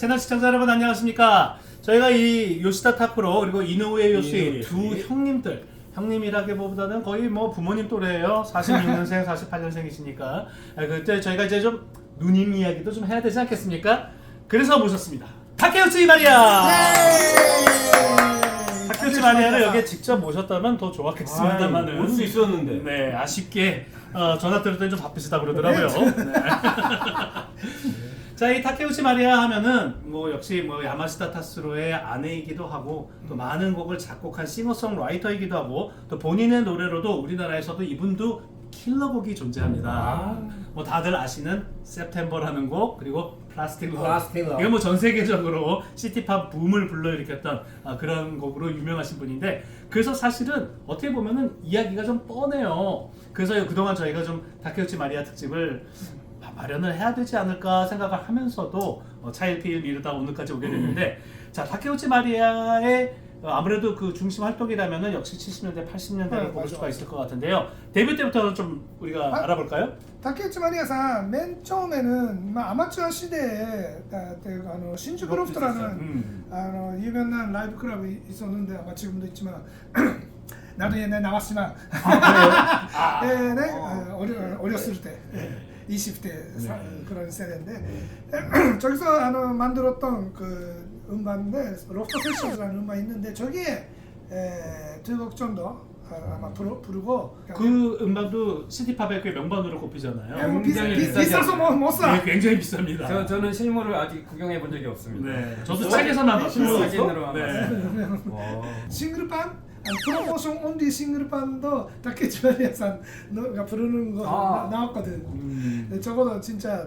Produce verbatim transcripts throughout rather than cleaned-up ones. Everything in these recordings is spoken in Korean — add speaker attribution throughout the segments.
Speaker 1: 채널 시청자 여러분 안녕하십니까. 저희가 이 요시다 타쿠로 그리고 이노우에 요시 두 형님들, 형님이라기보다는 거의 뭐 부모님 또래예요. 사십육 년생, 사십팔 년생이시니까 그때 저희가 이제 좀 누님 이야기도 좀 해야 되지 않겠습니까? 그래서 모셨습니다. 타케우치 마리아! 타케우치 마리아를 여기에 직접 모셨다면 더 좋았겠습니다만은
Speaker 2: 올 수 있었는데.
Speaker 1: 네, 아쉽게 어, 전화 드렸더니 좀 바쁘시다 그러더라고요. 네. 자, 이 타케우치 마리아 하면은 뭐 역시 뭐 야마시타 타스로의 아내이기도 하고 또 많은 곡을 작곡한 싱어송라이터이기도 하고 또 본인의 노래로도 우리나라에서도 이분도 킬러곡이 존재합니다.
Speaker 2: 아.
Speaker 1: 뭐 다들 아시는 September라는 곡 그리고 플라스틱 러브.
Speaker 2: 플라스틱 러브.
Speaker 1: 이건 뭐 전 세계적으로 시티팝 붐을 불러일으켰던 아, 그런 곡으로 유명하신 분인데 그래서 사실은 어떻게 보면은 이야기가 좀 뻔해요. 그래서 그동안 저희가 좀 타케우치 마리아 특집을 마련을 해야 되지 않을까 생각을 하면서도 어, 차일피일 미루다 오늘까지 오게 됐는데 자 타케우치 마리아의 어, 아무래도 그 중심 활동이라면은 역시 칠십 년대, 팔십 년대를
Speaker 3: 네,
Speaker 1: 꼽을
Speaker 3: 맞아.
Speaker 1: 수가 있을 것 같은데요. 데뷔 때부터 좀 우리가
Speaker 3: 아,
Speaker 1: 알아볼까요?
Speaker 3: 竹内まりやさん、맨 처음에는 막 아마추어 시대에 아, 그, 아, 신주쿠 로프트라는
Speaker 1: 음.
Speaker 3: 아, 유명한 라이브 클럽이 있었는데 아마 지금도 있지만 나도 옛날에 나왔지만
Speaker 1: 아, 그래요?
Speaker 3: 네, 네,
Speaker 1: 어.
Speaker 3: 아, 어려, 어렸을 때 이십 대 사,
Speaker 1: 네.
Speaker 3: 그런 세대인데 저기서 아, 만들었던 그 음반인데 로프트 세션이라는 음반이 있는데 저기에 두 곡 정도 아, 아마 부르, 부르고
Speaker 1: 그 음반도 시티팝의 그 명반으로 꼽히잖아요.
Speaker 3: 예, 뭐 비,
Speaker 2: 굉장히
Speaker 3: 비,
Speaker 2: 비싸지
Speaker 3: 비싸서 뭐, 못 사.
Speaker 1: 네, 굉장히 비쌉니다.
Speaker 2: 저 저는 실물을 아직 구경해 본 적이 없습니다.
Speaker 1: 네, 저도 책에서만 봤어요.
Speaker 2: 사진으로만
Speaker 1: 네.
Speaker 2: 와.
Speaker 3: 싱글판? 아니, 프로모션 온리 싱글판도 타케우치 마리아 산가 부르는 거
Speaker 2: 아.
Speaker 3: 나, 나왔거든.
Speaker 1: 음,
Speaker 3: 근데 적어도 진짜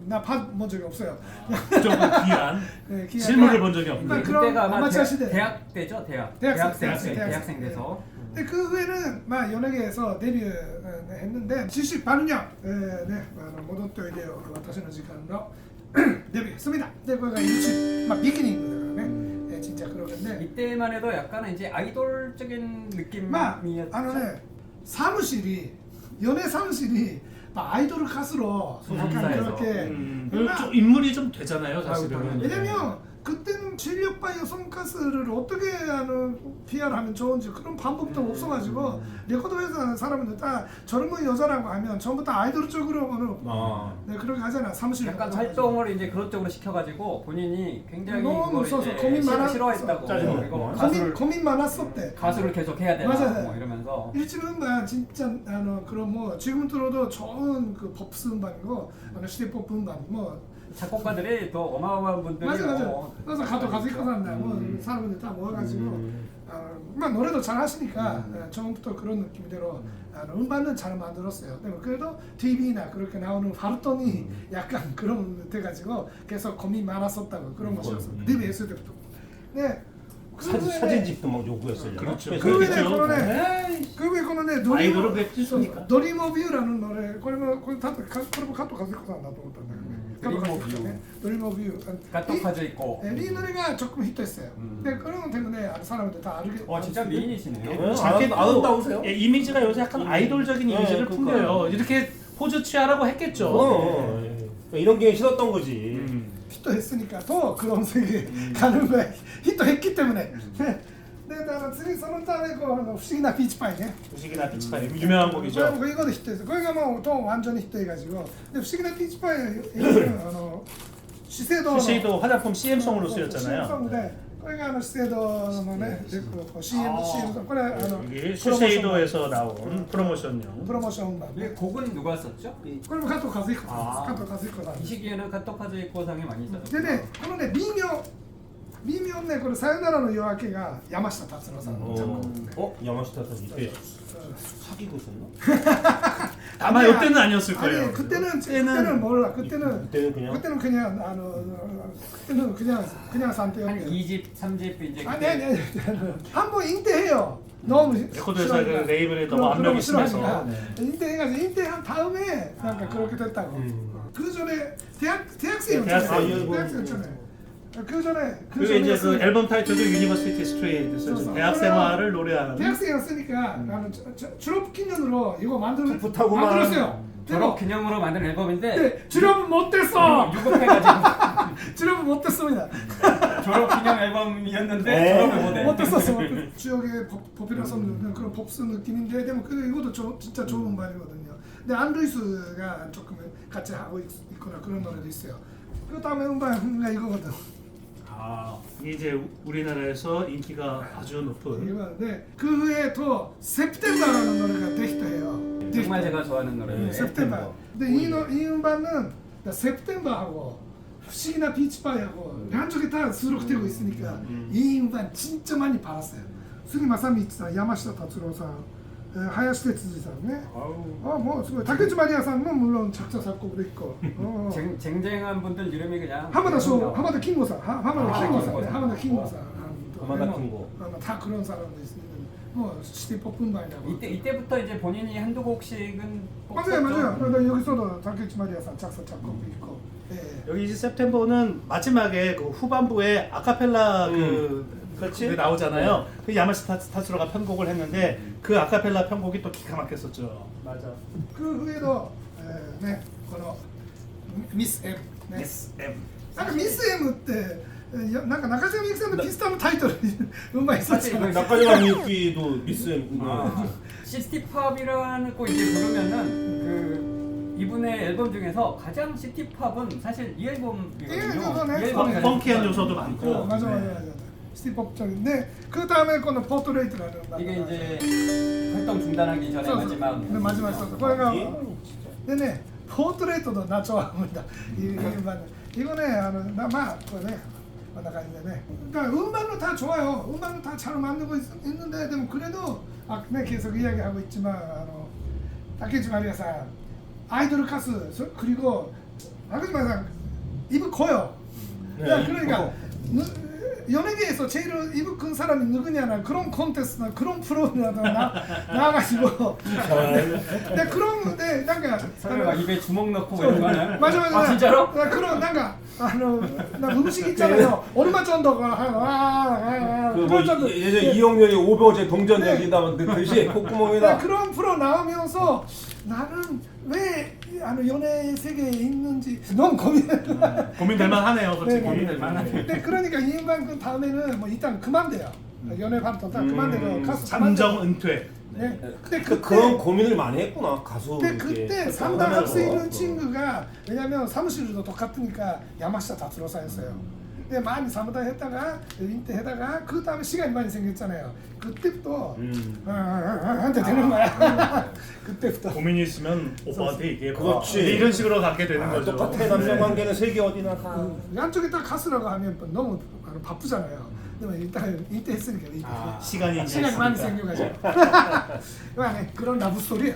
Speaker 3: 나본 적이 없어요.
Speaker 1: 좀 귀한
Speaker 3: 네, 기아-
Speaker 1: 실물을 본 적이
Speaker 3: 아,
Speaker 1: 없는.
Speaker 3: 그럼
Speaker 2: 그때가 아마
Speaker 3: 아마추어
Speaker 2: 대학,
Speaker 3: 시대.
Speaker 2: 대학 때죠, 대학.
Speaker 3: 대학생,
Speaker 2: 대학생,
Speaker 3: 대학생,
Speaker 2: 대학생 돼서.
Speaker 3: 근데 그 후에는 막 연예계에서 데뷔했는데 칠십팔 년 네, 네, 모도토 이데요 와타시노 시간으로 데뷔했습니다. 근데 그거가 일집 막 비기닝이거든요. 네, 진짜 그러는데
Speaker 2: 이때만 해도 약간 이제 아이돌적인 느낌이었죠.
Speaker 3: 막あのね 사무실이 연예 사무실이 막 아이돌 가수로 약간
Speaker 2: 소속사에서.
Speaker 3: 그렇게
Speaker 1: 음,
Speaker 3: 그러나-
Speaker 1: 좀 인물이 좀 되잖아요, 사실은.
Speaker 2: 아이고,
Speaker 3: 왜냐면 그때는 실력파 여성 가수를 어떻게 하는 피아르하면 좋은지 그런 방법도 없어가지고 레코드 회사 사람들 다 젊은 여자라고 하면 전부 다 아이돌 쪽으로는
Speaker 2: 아.
Speaker 3: 네, 그렇게 하잖아 사무실
Speaker 2: 약간
Speaker 3: 가가지고.
Speaker 2: 활동을 이제 그런 쪽으로 시켜가지고 본인이 굉장히
Speaker 3: 너무
Speaker 2: 이걸
Speaker 3: 무서워서
Speaker 2: 이제
Speaker 3: 고민
Speaker 2: 싫어-
Speaker 3: 많았어.
Speaker 2: 싫어했다고
Speaker 1: 짜증나.
Speaker 2: 그리고
Speaker 1: 고민-
Speaker 3: 고민,
Speaker 2: 가수를
Speaker 3: 고민 많았었대.
Speaker 2: 가수를 계속 해야 되나
Speaker 3: 맞아요.
Speaker 2: 뭐 이러면서
Speaker 3: 일집 음반 진짜 아 그런 뭐 지금 들어도 좋은 그 pop스 음반이고 아 시대법 음반 뭐
Speaker 2: 작곡가들이 또 어마어마한 분들이
Speaker 3: 맞아 맞아.
Speaker 2: 뭐
Speaker 3: 그래서 가도 가수 입고 산다. 뭐
Speaker 2: 음.
Speaker 3: 사람들 다 모아가지고
Speaker 2: 음.
Speaker 3: 아, 막 노래도 잘 하시니까 아, 처음부터 그런 느낌대로 아, 음반은 잘 만들었어요. 근데 그래도 티비나 그렇게 나오는 하루톤이 약간 그런 돼가지고 계속 고민 많았었다고 그런 것이었어.
Speaker 2: 음.
Speaker 3: 데뷔했을 때부터. 네.
Speaker 4: 사진, 사진집도 막 요구했어요.
Speaker 1: 그렇죠.
Speaker 4: 그래서
Speaker 3: 그 후에
Speaker 1: 그렇죠.
Speaker 3: 거는 그 후에 거는 노리
Speaker 1: 아이돌을 왜 찍습니까?
Speaker 3: 노림 오브 유라는 노래これもこれたとこれもカット가지고さんだと思ったんだけど
Speaker 2: Dream of You.
Speaker 3: 노림 오브 유
Speaker 2: 까똑하져 있고
Speaker 3: 네, 이 노래가 조금 히트했어요.
Speaker 2: 음.
Speaker 3: 근데 그런 것 때문에 사람들 다 알게.
Speaker 2: 와 진짜 미인이시네요.
Speaker 4: 네.
Speaker 1: 자켓도
Speaker 4: 안 아름다우세요?
Speaker 1: 예, 이미지가 요새 약간 아이돌적인
Speaker 4: 네,
Speaker 1: 이미지를
Speaker 4: 그러니까.
Speaker 1: 풍겨요. 이렇게 포즈 취하라고 했겠죠.
Speaker 4: 어, 예. 이런 게 싫었던 거지.
Speaker 1: 음.
Speaker 3: 히트했으니까 더 그런 세계 가는 거야. 히트했기 때문에. 네, 나次そのためこう不思議なピーチパイね。
Speaker 1: 무식이나 피치파이 유명한
Speaker 3: これ
Speaker 1: 곡이죠.
Speaker 3: も이거도 히트했어. これがもうと완전히 히트해가지고. 근데 不思議なピーチパイあの資生堂の
Speaker 1: 슈쉐이도 화장품 씨엠송으로 쓰였잖아요.
Speaker 3: 씨엠송인데 これがあの資生堂のね、でこう 씨엠
Speaker 2: 아.
Speaker 3: 씨엠송 これあの
Speaker 1: 이게
Speaker 3: 프로모션
Speaker 1: 슈쉐이도에서 나온 프로모션용.
Speaker 3: プロモーション版
Speaker 2: 이
Speaker 3: ね。
Speaker 2: 곡은 누가 썼죠?
Speaker 3: これも加藤和彦さんです。
Speaker 2: 아.
Speaker 3: 加藤和彦さん
Speaker 2: 이
Speaker 3: です
Speaker 2: 시기에는 카톡하즈 이코상에 많이 있었죠.
Speaker 3: でね、このね、微妙、微妙ね、これ、さよならの夜明けが山下達郎さんのジャン
Speaker 4: 어,
Speaker 3: プ。
Speaker 4: 어? 야마시타 사 이때
Speaker 3: 음.
Speaker 4: 사귀고 있었나?
Speaker 1: 아마
Speaker 3: 아니야.
Speaker 1: 이때는 아니었을 거예요.
Speaker 3: 아니, 그때는,
Speaker 1: 그때는
Speaker 3: 그때는 몰라. 그때는,
Speaker 4: 그때는 그냥
Speaker 3: 그때는 그냥, 아の, 그때는 그냥, 그냥
Speaker 2: 한
Speaker 3: 산대요.
Speaker 2: 이 집, 삼 집 이제
Speaker 3: 아니, 아니, 아니. 한번 인대해요. 너무
Speaker 1: 레코드 회사
Speaker 3: 싫어하니까.
Speaker 1: 그 레이블에 너무
Speaker 3: 그런-
Speaker 1: 압력이
Speaker 3: 그런 거
Speaker 1: 심해서.
Speaker 3: 싫어하니까.
Speaker 1: 네.
Speaker 3: 인대해가지고 인대한 다음에 약간 그렇게 됐다고.
Speaker 4: 음.
Speaker 3: 그 전에 대학 대학생이었잖아요.
Speaker 1: 대학생.
Speaker 4: 아이고.
Speaker 3: 대학생이었잖아요. 그 전에 그
Speaker 1: 그리고 이제 그
Speaker 3: 전에
Speaker 1: 앨범 타이틀도 유니버시티 스트레이트에서
Speaker 3: 그래서
Speaker 1: 대학 생활을 노래하는.
Speaker 3: 대학생이었으니까 나는 저- 저- 졸업 기념으로 이거 만들
Speaker 4: 풋풋하구만.
Speaker 3: 만들었어요.
Speaker 2: 졸업 기념으로 만든 앨범인데
Speaker 3: 네, 졸업은 못됐어.
Speaker 2: 유급해가지고
Speaker 3: 졸업은 못됐습니다.
Speaker 2: 졸업 기념 앨범이었는데
Speaker 4: 네.
Speaker 2: 졸업을 못해.
Speaker 3: 못됐었어. 못됐- 지역의 법- 법이라서 그런 pop스 느낌인데, 근데 그 이것도 조, 진짜 좋은 음반이거든요. 근데 안루이스가 조금 같이 하고 있, 있거나 그런 노래도 있어요. 그 다음에 음반가 이거거든.
Speaker 1: 아, 이게 이제 우리나라에서 인기가 아주 높은.
Speaker 3: 이거인데 그 후에 또 세프템버라는 노래가 되기도 해요.
Speaker 2: 정말 제가 좋아하는 노래.
Speaker 3: 네, 세프템버. 근데 이, 노, 이 음반은 세프템버하고 후시기나 비치파이하고 한쪽에 다 수록되고 있으니까
Speaker 1: 음.
Speaker 3: 이 음반 진짜 많이 팔았어요. 수기 마사미치さん, 야마시타 타츠로さん, 하야시 테츠지さん ね. 어, 뭐すごい. 타케치 마리아さんも 물론 작사 작곡도 있고. 어.
Speaker 2: 쟁, 쟁쟁한 분들 이름이 그냥
Speaker 3: 하마다 쇼, 하마다 킹고사, 하- 하마다
Speaker 2: 아,
Speaker 3: 킹고사,
Speaker 2: 킹고사.
Speaker 3: 네, 하마다 킹고사.
Speaker 4: 하마다 킹고.
Speaker 3: 어, 다 그런 사람도 있으니까 뭐 시티팝 음반이라고.
Speaker 2: 이때 이때부터 이제 본인이 한두 곡씩은 꼭
Speaker 3: 맞아요,
Speaker 2: 썼죠.
Speaker 3: 맞아요. 그러니까 여기서도 타케치 마리아さん 작사 작곡도 있고. 예.
Speaker 1: 여기 이제 september는 마지막에 그 후반부에 아카펠라 그
Speaker 4: 그렇지.
Speaker 1: 그게 나오잖아요. 그 야마시타 타츠로가 편곡을 했는데 그 아카펠라 편곡이 또 기가 막혔었죠. 맞아.
Speaker 3: 그 후에도 에, 네, この 미스 M. 네.
Speaker 1: S M.
Speaker 3: なんかミス M ってえよなんか中島みゆきさんのピスタのタイトルうまいそうじゃない。
Speaker 4: 나까지마 미유키도 미스
Speaker 2: 아, 시티팝이라는 거 이제 부르면은 그 이분의 앨범 중에서 가장 시티팝은 사실 이 앨범이거든요.
Speaker 3: 이 앨범은
Speaker 2: 이 앨범이 가장
Speaker 1: 펑키한
Speaker 2: 시티팝이거든요.
Speaker 1: 요소도 많고.
Speaker 3: 어, 맞아 맞아 맞아. 시티팝적인데 그 다음에 거는 포트레이트라는 음악.
Speaker 2: 이게 이제 활동 중단하기 전에 마지막
Speaker 3: 네, 마지막 썼어. 거기가
Speaker 4: 예.
Speaker 3: 네네 포트레이트도 나 좋아합니다. 이 음반 이거네 하는 나마 거네. 나가는데 그러니까 음반도 다 좋아요. 음반도 다 잘 만들고 있, 있는데 뭐 그래도 아, 네, 계속 이야기하고 있지만 아노 타케치 마리아さん 아이돌 가수 저- 그리고 타케치 마리아さん 입이 커요.
Speaker 4: 네,
Speaker 3: 야,
Speaker 4: 입
Speaker 3: 그러니까
Speaker 4: 커.
Speaker 3: 누, 연예계에서 제일 입이 큰 사람이 누구냐나 그런 콘테스트나 그런 프로그램이라도 나 나가지고 근데 그런 근데 뭔가
Speaker 2: 설마 입에 주먹 넣고 뭐 이런 거 하나요?
Speaker 3: 맞아 맞아
Speaker 2: 아 진짜로?
Speaker 3: 나 그런 뭔가 아노 나 음식 있잖아요. 얼마 정도가 하아
Speaker 4: 그뭐 예전 이영렬이 오버워치 동전
Speaker 3: 네.
Speaker 4: 얘기다 듯이
Speaker 3: 나
Speaker 4: 콧구멍에다
Speaker 3: 그런 프로 나오면서 나는 왜 아노 연예 세계에 있는지 너무 고민해.
Speaker 1: 고민될 만하네요, 솔직히.
Speaker 3: 네,
Speaker 2: 고민될 만하네.
Speaker 3: 근데 그러니까 이 음반 그 다음에는 뭐 일단 그만돼요. 연예 활동 다 그만되고 가수
Speaker 1: 잠정 은퇴.
Speaker 3: 네. 근데
Speaker 4: 그,
Speaker 3: 그때
Speaker 4: 그런 고민을 많이 했구나 가수
Speaker 3: 근데
Speaker 4: 이렇게
Speaker 3: 그때
Speaker 4: 활동을
Speaker 3: 상담할 수
Speaker 4: 하면서.
Speaker 3: 있는 친구가 왜냐면 사무실도 똑같으니까 야마시타 다츠로사였어요. 근데 많이 사무다 했다가 인테했다가 그 다음에 시간이 많이 생겼잖아요. 그때부터
Speaker 4: 음.
Speaker 3: 어, 어, 어, 한테 되는 거야. 그때부터.
Speaker 1: 고민이 있으면 오빠한테 얘기해.
Speaker 4: 그렇지.
Speaker 1: 이런 식으로 갖게 되는
Speaker 4: 아,
Speaker 1: 거죠.
Speaker 4: 똑같아 남녀 관계는 세계 어디나 다
Speaker 3: 어, 양쪽에 딱 가수라고 하면 너무 바쁘잖아요. 근데 뭐 일단 인테했으니까 인테.
Speaker 2: 아,
Speaker 1: 시간이 이제
Speaker 3: 시간이 많이
Speaker 1: 있으니까.
Speaker 3: 생겨가지고. 그만해. 그런 라브 스토리야.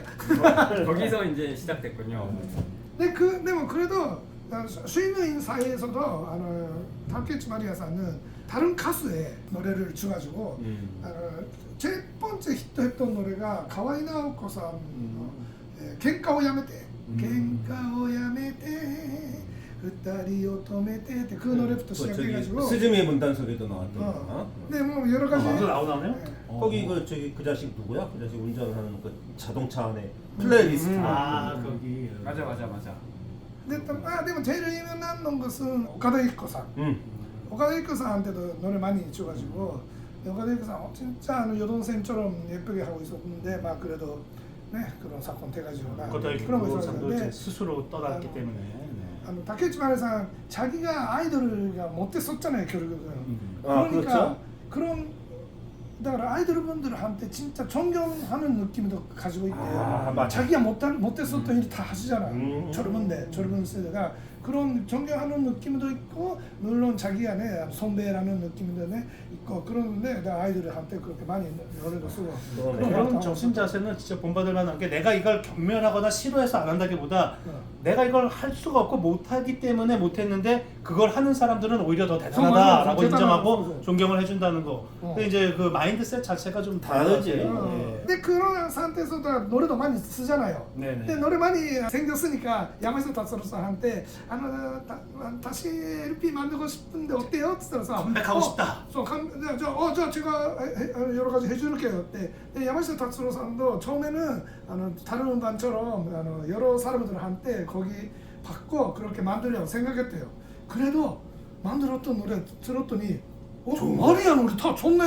Speaker 2: 거기서 이제 시작됐군요.
Speaker 3: 근데 그, 근데 뭐 그래도 스위밍 사이에서도 아노 타케치 마리아さん은 다른 가수의 노래를 줘가지고
Speaker 4: 음.
Speaker 3: 아노 첫 번째 히트했던 노래가 가와이 나오코さんの「喧嘩をやめて」「喧嘩をやめて」「二人を止めて」って그 노래부터
Speaker 4: 그 저기
Speaker 3: 시작해가지고
Speaker 4: 스즈메 문단속에도 나왔던
Speaker 3: 어.
Speaker 4: 거.
Speaker 3: 근데 뭐 여러 가지
Speaker 1: 아, 그거 나오나요?
Speaker 3: 네.
Speaker 4: 거기 그 저기 그 자식 누구야? 그 자식 운전하는 그 자동차 안에 플레이리스트.
Speaker 2: 음.
Speaker 1: 아, 거기.
Speaker 2: 맞아 맞아 맞아.
Speaker 3: 근데 또, 아, でも 제일 유명한 것은 오카다 이코상.
Speaker 4: 음.
Speaker 3: 오카다 이코상한테도 노래 많이 줘가지고 오카다 이코상 어, 진짜 아는 여동생처럼 예쁘게 하고 있었는데 막 그래도 네 그런 사건 돼가지고 나
Speaker 1: 그것도
Speaker 3: 그런 거
Speaker 1: 상도 이제
Speaker 3: 있었는데
Speaker 1: 스스로 떠났기
Speaker 3: 아,
Speaker 1: 때문에. 네.
Speaker 3: 아노 타케치 마리아さん 자기가 아이돌을 못했었잖아요 결국은.
Speaker 4: 아,
Speaker 3: 그러니까
Speaker 4: 그렇죠.
Speaker 3: 그런だから 아이돌분들한테 진짜 존경하는 느낌도 가지고 있대요.
Speaker 4: 아, 맞아.
Speaker 3: 자기가 못 못했었던 일 다 하시잖아.
Speaker 4: 음.
Speaker 3: 젊은데 젊은 세대가 그런 존경하는 느낌도 있고 물론 자기가 네 선배라는 느낌도 네 있고 그러는데 나 아이돌한테 그렇게 많이 노래도 쓰고
Speaker 4: 그러네.
Speaker 3: 그런
Speaker 1: 그런
Speaker 3: 거
Speaker 1: 정신 자세는 진짜 본받을 만한 게 내가 이걸 경멸하거나 싫어해서 안 한다기보다
Speaker 3: 어.
Speaker 1: 내가 이걸 할 수가 없고 못하기 때문에 못했는데 그걸 하는 사람들은 오히려 더
Speaker 3: 맞아.
Speaker 1: 대단하다라고
Speaker 3: 대단하다.
Speaker 1: 인정하고
Speaker 3: 맞아.
Speaker 1: 존경을 해준다는 거.
Speaker 3: 어.
Speaker 1: 근데 이제 그 마인드셋 자체가 좀
Speaker 4: 다르지.
Speaker 1: 다르죠.
Speaker 3: 어.
Speaker 1: 예.
Speaker 3: 근데 그런 상태에서 다 노래도 많이 쓰잖아요.
Speaker 1: 네네.
Speaker 3: 근데 노래 많이 생겼으니까 야마시타 다츠로사한테 あのだ다시 엘피 만들고 싶은데 어때요? 그래서
Speaker 1: 컴백하고 싶다.
Speaker 3: そうかんじゃあじゃあ어じゃあ제가 해- 해- 여러 가지 해줄게요. 네, 네, 야마시타 타츠로 산도 처음에는 아노, 다른 음반처럼 아노, 여러 사람들한테 거기 받고 그렇게 만들려고 생각했대요. 그래도 만들었던 노래 들었더니 어 마리아 노래 다 좋네.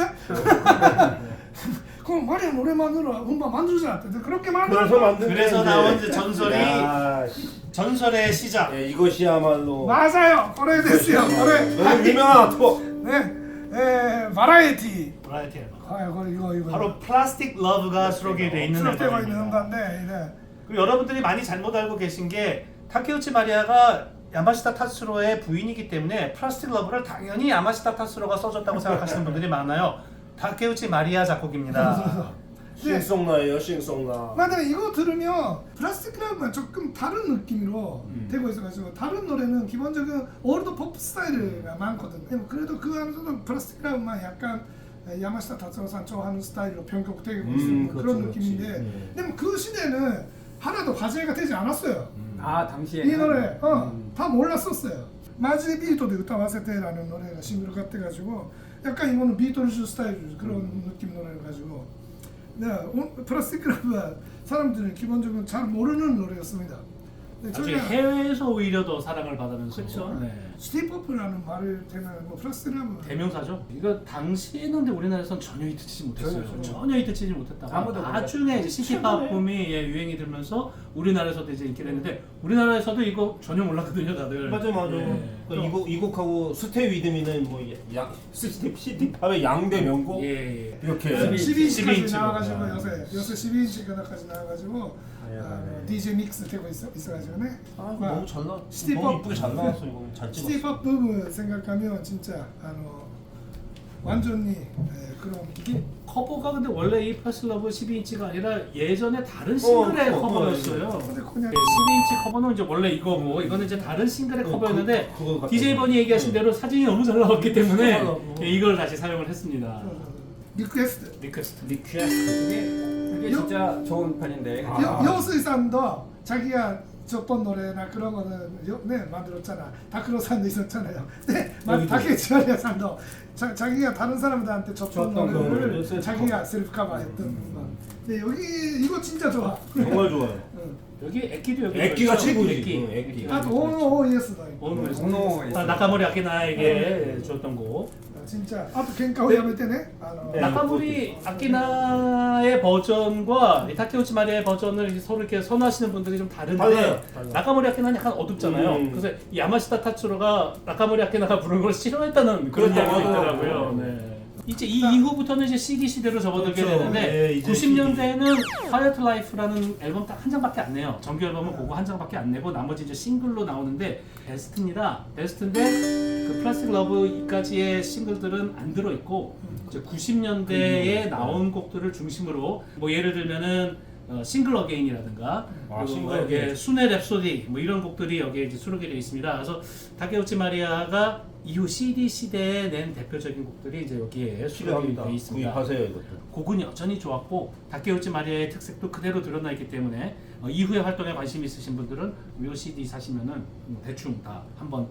Speaker 3: 그럼 마리아 노래만으로 음반 만들자. 그렇게 만들.
Speaker 4: 그래서 만든
Speaker 1: 그래서
Speaker 4: 게
Speaker 1: 나온
Speaker 4: 이제-
Speaker 1: 이제 전설이
Speaker 4: 야,
Speaker 1: 전설의 시작.
Speaker 4: 예, 이것이야말로
Speaker 3: 맞아요. 그래 됐어요. 그래.
Speaker 4: 너무 유명한 또
Speaker 3: 네, 에 바라에티.
Speaker 1: 브라이티 앨범.
Speaker 3: 아 이거 이거 이거.
Speaker 1: 바로 플라스틱 러브가 수록이 돼 있는
Speaker 3: 수록되고 있는
Speaker 1: 앨범입니다.
Speaker 3: 음반인데 네.
Speaker 1: 그리고 여러분들이 많이 잘못 알고 계신 게 타케우치 마리아가 야마시타 타츠로의 부인이기 때문에 플라스틱 러브를 당연히 야마시타 타츠로가 써줬다고 생각하시는 분들이 많아요. 타케우치 마리아 작곡입니다.
Speaker 4: 싱송나예요, 싱송나.
Speaker 3: 맞아요. 이거 들으면 플라스틱 라브는 조금 다른 느낌으로
Speaker 1: 음.
Speaker 3: 되고 있어가지고 다른 노래는 기본적인 올드 팝 스타일이 많거든요. 그래도 그 안에서도 플라스틱 라브만 약간 야마시타 타츠로산 좋아하는 스타일로 변격되고
Speaker 4: 음,
Speaker 3: 있는
Speaker 4: 그렇죠,
Speaker 3: 그런
Speaker 4: 그렇지.
Speaker 3: 느낌인데
Speaker 4: 네.
Speaker 3: 근데 뭐그 시대는 하나도 화제가 되지 않았어요.
Speaker 2: 아 당시에
Speaker 3: 이 노래 어,
Speaker 2: 음.
Speaker 3: 다 몰랐었어요. 마지 비토데 우타와세테라는 노래가 싱글 같아가지고 약간 이거는 비토ルズ스타일 그런 느낌 노래가지고 네, 오- 플라스틱 라브가 사람들은 기본적으로 잘 모르는 노래였습니다. 네,
Speaker 1: 나중에 해외에서 오히려 더 사랑을 받으면서
Speaker 2: 그쵸.
Speaker 1: 네.
Speaker 3: 스티퍼프라는 말을 대면 뭐 플라스틱 라브
Speaker 1: 대명사죠. 이거 당시에는 근데 우리나라에선 전혀 히트치지 못했어요.
Speaker 2: 전혀, 전혀.
Speaker 1: 전혀 히트치지 못했다가
Speaker 2: 아무도
Speaker 1: 나중에 이제 시티팝 붐이 예, 유행이 들면서 우리나라에서도 이제 인기가 됐는데 우리나라에서도 이거 전혀 몰랐거든요, 다들.
Speaker 4: 맞아 맞아.
Speaker 1: 예.
Speaker 4: 그러니까 이곡 이 곡하고 스테이 위드미는 뭐양 시티 시티팝의 양대 명곡
Speaker 1: 예, 예.
Speaker 4: 이렇게
Speaker 2: 십이
Speaker 3: 십이 인치까지
Speaker 1: 십이 인치로.
Speaker 3: 나와가지고
Speaker 4: 아.
Speaker 3: 요새 요새 십이 인치까지 나와가지고
Speaker 4: 아,
Speaker 3: 아,
Speaker 4: 네.
Speaker 3: 디제이 믹스 되고 있어 있어가지고네.
Speaker 4: 아, 이거 너무 잘 나.
Speaker 3: 시티팝-
Speaker 4: 너무 이쁘게 잘 나왔어 이거 잘 찍었어.
Speaker 3: 시티팝 부분 생각하면 진짜 아노 완전히 예, 그런
Speaker 1: 이게 커버가 근데 원래 이 플러스 러브 십이 인치가 아니라 예전에 다른 싱글의
Speaker 4: 어, 어,
Speaker 1: 커버였어요.
Speaker 3: 근데 그냥
Speaker 1: 네, 십이 인치 커버는 이제 원래 이거고 이거는 이제 다른 싱글의
Speaker 4: 어,
Speaker 1: 커버였는데
Speaker 4: 그- 그거 같아요.
Speaker 1: 디제이 번이 얘기하신
Speaker 4: 네.
Speaker 1: 대로 사진이 너무 잘 나왔기 때문에
Speaker 4: 어, 어.
Speaker 1: 예, 이걸 다시 사용을 했습니다.
Speaker 3: 리퀘스트
Speaker 1: 리퀘스트.
Speaker 4: 리퀘스트.
Speaker 2: 이게 이게
Speaker 3: 요-
Speaker 2: 진짜 좋은 편인데
Speaker 4: 아.
Speaker 3: 여, 여수이산도 자기가 줬던 노래나 그런 거는 요, 네 만들었잖아. 다크로산도 있었잖아요. 네,
Speaker 4: 여기도.
Speaker 3: 다케치마리아산도 자, 자기가 다른 사람들한테 줬던
Speaker 4: 줬던
Speaker 3: 노래를
Speaker 4: 거를 셀프
Speaker 3: 자기가 셀프 커버했던 음. 네, 여기 이거 진짜 좋아.
Speaker 4: 정말 좋아요.
Speaker 3: 응.
Speaker 1: 여기 액기도 여기
Speaker 4: 액기가
Speaker 1: 있죠?
Speaker 4: 최고지.
Speaker 1: 액기.
Speaker 4: 응, 액기.
Speaker 3: 아, 오노 오이에스다.
Speaker 1: 오노 오이에스.
Speaker 2: 오노 오이에스.
Speaker 1: 아, 나카모리 아키나에게 줬던 곡.
Speaker 3: 진짜. 아, 또 갱카오 야메테네. 아,
Speaker 4: 네.
Speaker 1: 나카모리 아키나의 버전과 이 타케우치 마리아의 버전을 이렇게 서로 이렇게 선호하시는 분들이 좀 다른데
Speaker 4: 달라요, 달라요.
Speaker 1: 나카모리 아키나는 약간 어둡잖아요.
Speaker 4: 음.
Speaker 1: 그래서 이 야마시타 타츠로가 나카모리 아키나가 부른 걸 싫어했다는 그런
Speaker 4: 그렇죠.
Speaker 1: 이야기가
Speaker 4: 맞아요.
Speaker 1: 있더라고요. 네. 이제 이 이후부터는 이제 씨디 시대로 접어들게
Speaker 4: 그렇죠.
Speaker 1: 되는데
Speaker 4: 네, 이제
Speaker 1: 구십 년대에는 Quiet Life라는 앨범 딱 한 장밖에 안 내요. 정규 앨범은 그거 한 장밖에 안 내고 나머지 이제 싱글로 나오는데 베스트입니다. 베스트인데 그 플라스틱 러브까지의 싱글들은 안 들어 있고 이제 구십 년대에 나온 곡들을 중심으로 뭐 예를 들면은 어, 싱글 어게인이라든가
Speaker 4: 아,
Speaker 1: 그리고
Speaker 4: 싱글
Speaker 1: 뭐 여기에
Speaker 4: 어게인.
Speaker 1: 순회 랩소디 뭐 이런 곡들이 여기에 이제 수록이 되어 있습니다. 그래서 다케우치 마리아가 이후 씨디 시대에 낸 대표적인 곡들이 이제 여기에 수록이
Speaker 4: 필요합니다.
Speaker 1: 되어 있습니다.
Speaker 4: 구입하세요 이것도.
Speaker 1: 곡은 여전히 좋았고 다케우치 마리아의 특색도 그대로 드러나 있기 때문에 어, 이후의 활동에 관심 있으신 분들은 이 씨디 사시면은 뭐 대충 다 한번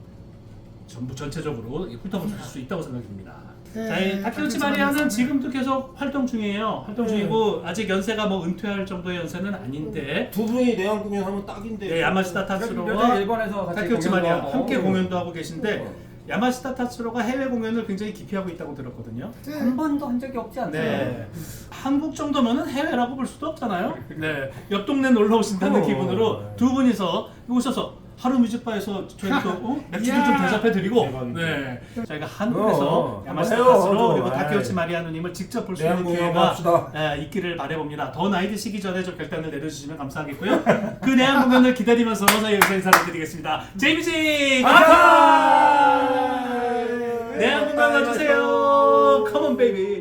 Speaker 1: 전부 전체적으로 훑어보실 수 있다고 생각됩니다.
Speaker 3: 네,
Speaker 1: 자, 이 다케우치
Speaker 3: 다케우치
Speaker 1: 마리아는
Speaker 3: 마리아는
Speaker 1: 지금도 계속 활동 중이에요. 활동
Speaker 4: 네.
Speaker 1: 중이고 아직 연세가 뭐 은퇴할 정도의 연세는 아닌데
Speaker 4: 두 분이 내한 공연하면 딱인데.
Speaker 1: 네, 야마시타
Speaker 2: 요즘
Speaker 1: 타츠로와
Speaker 2: 일본에서 같이
Speaker 1: 타케우치
Speaker 2: 공연도
Speaker 1: 마리아
Speaker 2: 하고.
Speaker 1: 함께
Speaker 2: 어.
Speaker 1: 공연도 하고 계신데
Speaker 4: 어.
Speaker 1: 야마시타 타츠로가 해외 공연을 굉장히 기피하고 있다고 들었거든요.
Speaker 2: 한 번도 한 적이 없지 않나요?
Speaker 1: 네. 한국 정도면은 해외라고 볼 수도 없잖아요. 네. 옆 동네 놀러 오신다는
Speaker 4: 어.
Speaker 1: 기분으로 두 분이서 오셔서 하루 뮤직바에서 저희 또 어? 맥주도 좀
Speaker 3: 이야.
Speaker 1: 대접해 드리고
Speaker 4: 대박이다.
Speaker 1: 네. 저희가 한국에서
Speaker 4: 어,
Speaker 1: 야마시타
Speaker 4: 해요,
Speaker 1: 타츠로
Speaker 4: 저도.
Speaker 1: 그리고
Speaker 4: 에이.
Speaker 1: 다케우치 마리아 누님을 직접 볼 수
Speaker 4: 내한
Speaker 1: 있는
Speaker 4: 공연
Speaker 1: 기회가
Speaker 4: 합시다.
Speaker 1: 예, 있기를 바라봅니다. 더 나이 드시기 전에 좀 결단을 내려주시면 감사하겠고요. 그 내한 공연을 기다리면서 여기서 인사를 드리겠습니다. 제이미지 아카! 내한 공연 와주세요. Come on baby.